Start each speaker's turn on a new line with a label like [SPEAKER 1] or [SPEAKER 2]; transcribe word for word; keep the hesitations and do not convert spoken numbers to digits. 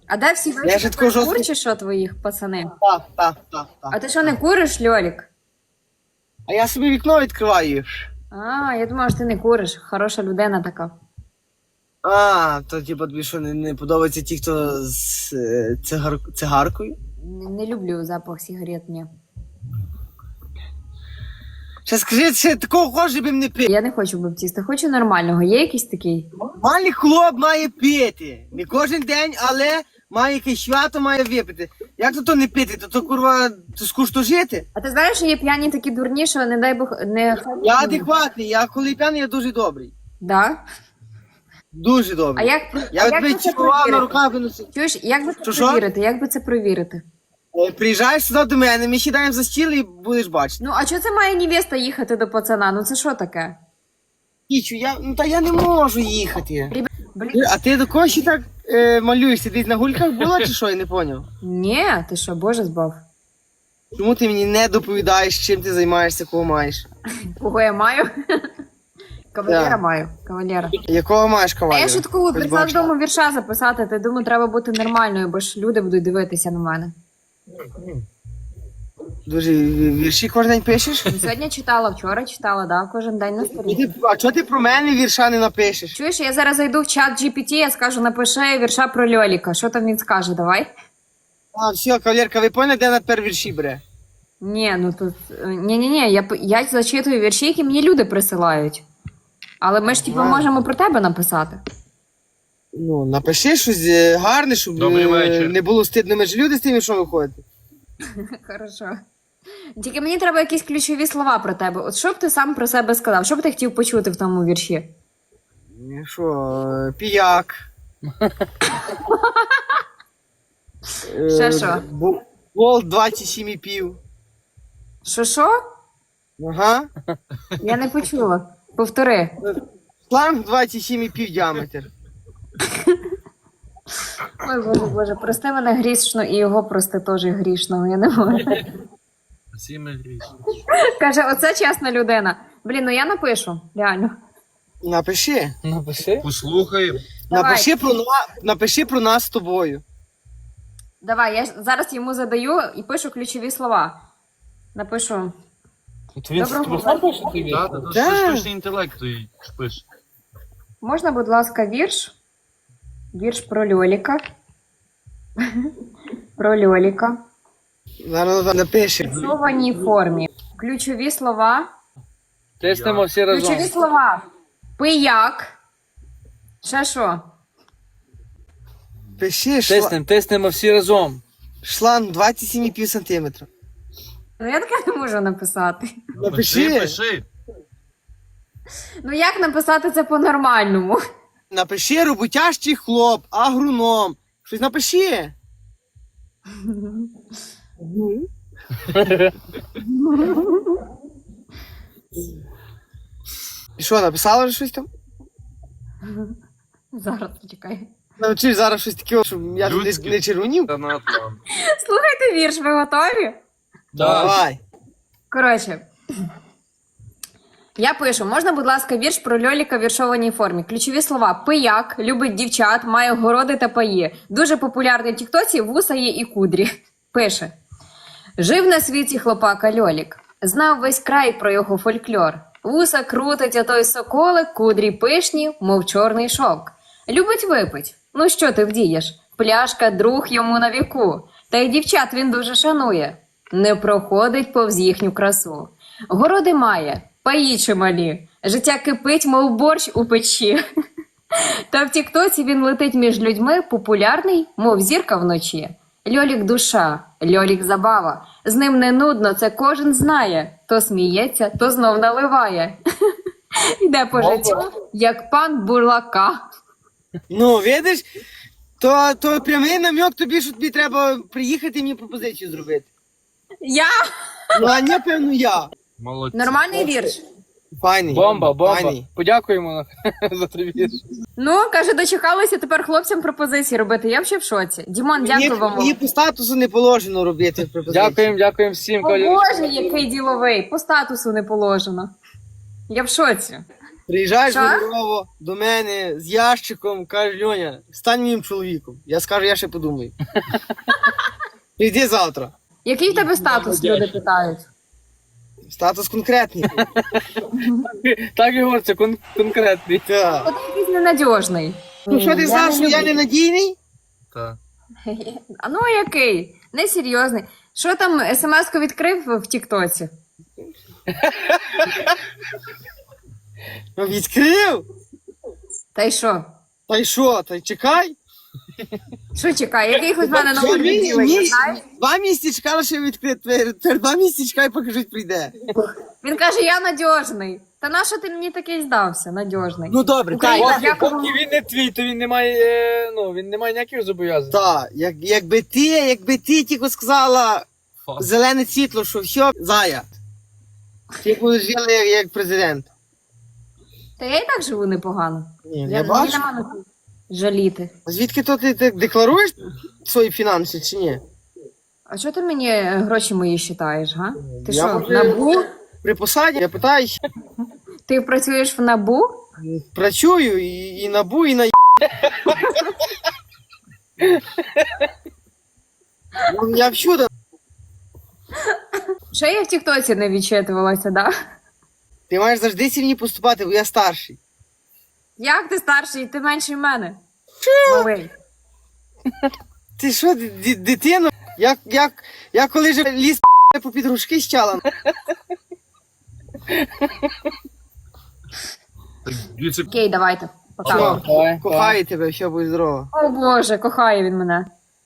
[SPEAKER 1] А де всі
[SPEAKER 2] Я ще такого жорстко-
[SPEAKER 1] курчі, що твоїх пацани?
[SPEAKER 2] Так, так, так,
[SPEAKER 1] А
[SPEAKER 2] так.
[SPEAKER 1] ти що, не куриш, Льолік?
[SPEAKER 2] А я собі вікно відкриваю.
[SPEAKER 1] А, я думала, що ти не куриш. Хороша людина така.
[SPEAKER 2] А, то типу тобі що не, не подобається ті, хто з е, цигар... цигаркою?
[SPEAKER 1] Не, не люблю запах сигарет, ні.
[SPEAKER 2] Ще скажи, ще такого хочеш, би не пити.
[SPEAKER 1] Я не хочу баптіста, хочу нормального. Є якийсь такий?
[SPEAKER 2] Нормальний хлоп має пити. Не кожен день, але має якесь свято, має випити. Як то то не пити? То то курва, то скучно жити.
[SPEAKER 1] А ти знаєш, що є п'яні такі дурні, що не дай Бог не.
[SPEAKER 2] Я адекватний, я коли п'яний, я дуже добрий.
[SPEAKER 1] Да?
[SPEAKER 2] Дуже
[SPEAKER 1] А
[SPEAKER 2] добрий.
[SPEAKER 1] як,
[SPEAKER 2] Я
[SPEAKER 1] а
[SPEAKER 2] от
[SPEAKER 1] як
[SPEAKER 2] би
[SPEAKER 1] би це
[SPEAKER 2] чіпував на
[SPEAKER 1] провірити?
[SPEAKER 2] руках виносив.
[SPEAKER 1] Чуєш, як би це
[SPEAKER 2] Що, що?
[SPEAKER 1] провірити? Як би це провірити?
[SPEAKER 2] Е, Приїжджаєш сюди до мене, ми сідаємо за стіл і будеш бачити.
[SPEAKER 1] Ну, а чого це має невеста їхати до пацана? Ну це що таке?
[SPEAKER 2] Кічу, я, ну та я не можу їхати.
[SPEAKER 1] Блін.
[SPEAKER 2] Ти- А ти до кого ще так е, малюєшся? Десь на гульках була чи що? Я не поняв.
[SPEAKER 1] Ні, ти що, Боже збав?
[SPEAKER 2] Чому ти мені не доповідаєш, чим ти займаєшся, кого маєш?
[SPEAKER 1] Кого я маю? Кавалера
[SPEAKER 2] Так.
[SPEAKER 1] маю, кавалера.
[SPEAKER 2] Якого маєш
[SPEAKER 1] А
[SPEAKER 2] кавалера?
[SPEAKER 1] я шуткую,
[SPEAKER 2] Хоч
[SPEAKER 1] прийшла
[SPEAKER 2] бачу.
[SPEAKER 1] додому вірша записати, ти думаю, треба бути нормальною, бо ж люди будуть дивитися на мене.
[SPEAKER 2] Дуже вірші кожен день пишеш?
[SPEAKER 1] Сьогодні читала, вчора читала, да, кожен день на
[SPEAKER 2] І
[SPEAKER 1] сторінці.
[SPEAKER 2] ти- А чого ти про мене вірша не напишеш?
[SPEAKER 1] Чуєш, я зараз зайду в чат джі пі ті, я скажу, напиши вірша про Льоліка. Що там він скаже, давай?
[SPEAKER 2] А, все, кавалерка, ви поняли, де на тепер вірші бере?
[SPEAKER 1] Ні, ну тут. Ні-ні-ні, я, п- я зачитую вірші, які мені люди присилають. Але ми ж типу
[SPEAKER 2] Ага.
[SPEAKER 1] можемо про тебе написати.
[SPEAKER 2] Ну, напиши щось е, гарне, щоб
[SPEAKER 3] Добрий
[SPEAKER 2] е,
[SPEAKER 3] вечір.
[SPEAKER 2] не було стидно. Ми ж люди з тим, що виходити.
[SPEAKER 1] Хорошо. Тільки мені треба якісь ключові слова про тебе. От що б ти сам про себе сказав? Що б ти хотів почути в тому вірші?
[SPEAKER 2] Ну, Що, е, піяк.
[SPEAKER 1] Ще що?
[SPEAKER 2] Бу- Волт двадцять сім і пів.
[SPEAKER 1] Що що?
[SPEAKER 2] Ага.
[SPEAKER 1] Я не почула. Повтори.
[SPEAKER 2] Шланг двадцять сім і пів діаметр.
[SPEAKER 1] Ой, боже, боже, прости мене грішно і його прости теж грішного, я не можу.
[SPEAKER 3] Всі ми грішні.
[SPEAKER 1] Каже, оце чесна людина. Блін, ну я напишу, реально.
[SPEAKER 2] Напиши.
[SPEAKER 4] Напиши.
[SPEAKER 3] Послухаємо.
[SPEAKER 1] Давай.
[SPEAKER 2] Напиши про, на... Напиши про нас з тобою.
[SPEAKER 1] Давай, я зараз йому задаю і пишу ключові слова. Напишу.
[SPEAKER 4] От він
[SPEAKER 1] Доброго
[SPEAKER 4] тобі сам пише тобі?
[SPEAKER 3] Так, це
[SPEAKER 2] Да.
[SPEAKER 3] ж штучний інтелект той пише.
[SPEAKER 1] Можна, будь ласка, вірш? Вірш про Льоліка. Про Льоліка.
[SPEAKER 2] Зараз напиши.
[SPEAKER 1] В фіксованій формі. Ключові слова.
[SPEAKER 4] Тиснемо всі разом.
[SPEAKER 1] Ключові слова. Пияк. Ще що?
[SPEAKER 2] Пиши шла...
[SPEAKER 4] Тиснемо, тиснемо всі разом.
[SPEAKER 2] шланг двадцять сім і пів сантиметра.
[SPEAKER 1] Ну я таке не можу написати.
[SPEAKER 2] Напиши.
[SPEAKER 3] Пиши, пиши.
[SPEAKER 1] Ну як написати це по-нормальному?
[SPEAKER 2] Напиши роботящий хлоп, агроном. Щось напиши. І що, написала вже щось там?
[SPEAKER 1] Зараз почекай.
[SPEAKER 2] Навчиш зараз щось таке, щоб я тут
[SPEAKER 3] Людське.
[SPEAKER 2] не, не червонів?
[SPEAKER 3] Та на там.
[SPEAKER 1] Слухайте вірш, ви готові?
[SPEAKER 2] Давай.
[SPEAKER 1] Коротше. Я пишу, можна, будь ласка, вірш про Льоліка в віршованій формі. Ключові слова. Пияк, любить дівчат, має городи та паї. Дуже популярний в тіктоці, вуса є і кудрі. Пише. Жив на світі хлопака Льолік. Знав весь край про його фольклор. Вуса крутить, а той соколик, кудрі пишні, мов чорний шовк. Любить випить. Ну що ти вдієш? Пляшка друг йому на віку. Та й дівчат він дуже шанує. Не проходить повз їхню красу. Городи має, паї чималі. Життя кипить, мов борщ у печі. Та в тіктоці він летить між людьми, популярний, мов зірка вночі. Льолік душа, Льолік забава. З ним не нудно, це кожен знає. То сміється, то знов наливає. Йде по життю, як пан Бурлака.
[SPEAKER 2] Ну, видиш, то, то прямий намек тобі, що тобі треба приїхати і мені пропозицію зробити.
[SPEAKER 1] Я?
[SPEAKER 2] Ну, а не, певно, я.
[SPEAKER 3] Молодці.
[SPEAKER 1] Нормальний вірш.
[SPEAKER 2] Файний.
[SPEAKER 4] Бомба, бомба.
[SPEAKER 2] Файний.
[SPEAKER 4] Подякуємо за твій вірш.
[SPEAKER 1] Ну, каже, дочекалися тепер хлопцям пропозиції робити. Я взагалі в шоці. Дімон,
[SPEAKER 2] Мені,
[SPEAKER 1] дякую вам.
[SPEAKER 2] мені по статусу не положено робити пропозицію.
[SPEAKER 4] Дякуємо, дякуємо всім.
[SPEAKER 1] О Боже, який діловий. По статусу не положено. Я в шоці.
[SPEAKER 2] Приїжджаєш
[SPEAKER 1] Що?
[SPEAKER 2] гонорово до мене з ящиком, кажеш, Льоня, стань моїм чоловіком. Я скажу, я ще подумаю. Прийди завтра.
[SPEAKER 1] Який в тебе статус, люди питають?
[SPEAKER 2] Статус конкретний.
[SPEAKER 4] Так, Ігор, це кон- конкретний.
[SPEAKER 2] Так.
[SPEAKER 1] От якийсь ненадіжний.
[SPEAKER 2] Ну що ти
[SPEAKER 1] Я
[SPEAKER 2] знаєш,
[SPEAKER 1] не
[SPEAKER 2] що я
[SPEAKER 1] люблю.
[SPEAKER 2] ненадійний?
[SPEAKER 3] Так.
[SPEAKER 1] А ну який? Несерйозний. Що там смс-ку відкрив в Тіктоці?
[SPEAKER 2] Ну, відкрив.
[SPEAKER 1] Та й що?
[SPEAKER 2] Та й що, та й чекай.
[SPEAKER 1] Що чекай, який хоч в мене
[SPEAKER 2] Два
[SPEAKER 1] номер
[SPEAKER 2] мі-
[SPEAKER 1] відділення,
[SPEAKER 2] місяці-
[SPEAKER 1] знаєш?
[SPEAKER 2] Два місяці чекала, що відкрити. Тепер тепер два місяці чекай, поки жить прийде.
[SPEAKER 1] Він каже, я надіжний. Та на що ти мені такий здався, надіжний?
[SPEAKER 2] Ну добре,
[SPEAKER 1] Україна,
[SPEAKER 2] так.
[SPEAKER 1] дякую.
[SPEAKER 4] Поки він не твій, то він не має, е, ну, він не має ніяких зобов'язань.
[SPEAKER 2] Так, як, якби ти, якби ти тільки сказала
[SPEAKER 3] Фак.
[SPEAKER 2] зелене світло, що все, зая. Ти будеш жила як, як президент.
[SPEAKER 1] Та я і так живу непогано.
[SPEAKER 2] Ні,
[SPEAKER 1] Я,
[SPEAKER 2] я
[SPEAKER 1] мені
[SPEAKER 2] бачу.
[SPEAKER 1] нема на що жаліти.
[SPEAKER 2] Звідки то ти, ти декларуєш свої фінанси чи ні?
[SPEAKER 1] А що ти мені гроші мої считаєш, га? Ти
[SPEAKER 2] Я
[SPEAKER 1] що,
[SPEAKER 2] вже-
[SPEAKER 1] в НАБУ?
[SPEAKER 2] При посаді я питаю,
[SPEAKER 1] Ти працюєш в НАБУ?
[SPEAKER 2] працюю і, і набу, і на Ну, я всюди.
[SPEAKER 1] Ще я в Тіктоці не відчитувалася, да?
[SPEAKER 2] Ти маєш завжди сильні поступати, бо я старший.
[SPEAKER 1] Як ти старший, ти менший мене? Малий.
[SPEAKER 2] Ти що, ди- ди- дитино? Я, я, я коли ж ліс по підружки щала.
[SPEAKER 3] Так, дивіться,
[SPEAKER 1] Окей, давайте. Пока.
[SPEAKER 2] Все,
[SPEAKER 4] Давай,
[SPEAKER 2] кохаю тебе, все, будь здорово.
[SPEAKER 1] О Боже, кохає він мене.